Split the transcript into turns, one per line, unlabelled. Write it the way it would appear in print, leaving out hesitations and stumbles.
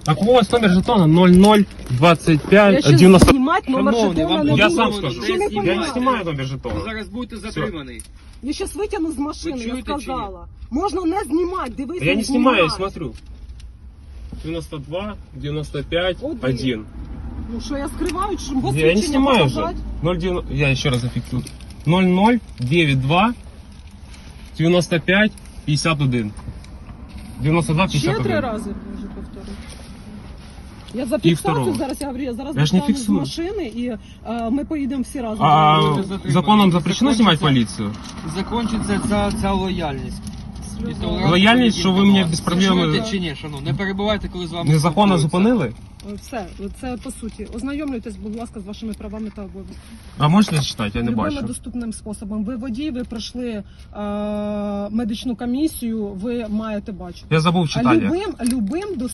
Так ось номер жетона 0025
Я щас
90.
знімати номер
Шановний,
жетона
вам
не
Я
буду.
сам скажу.
Що не
Я
Я не
понімаю?
знімаю номер
Ви
жетона.
зараз будете затриманий.
Я щас витягну з машини,
Ви
я
чуєте чи ні?
сказала. Можна не знімати, дивись,
Я не снимаю, я
знімай.
смотрю. 92, 95,
Один.
1.
Ну що, я скриваю, що
Я не
посвідчення
снимаю уже.
показати?
0,9, я еще раз зафиксирую. 0092 95 51. 92
Ще 3
51.
рази можу повторити. Я за
І
фіксацію
второго.
зараз, я говорю, я зараз
Я ж не
достану з
фіксую.
машини і ми поїдемо всі разом.
А
Затриманий.
законом запрещено снимать полицию?
Закінчиться ця лояльність. І толерантність
Лояльність, що ви
до
мене
вас.
без проблем-
Ви чуєте чи ні, шановні? Не перебувайте, коли з вами
Незаконно
спілкуються.
зупинили?
Все, це по суті. Ознайомлюйтесь, будь ласка, з вашими правами та обов'язками.
А можете читати? Я не
Любими
бачу.
доступним способом. Ви водій, ви пройшли медичну комісію, ви маєте бачити.
Я забув читання.
Любим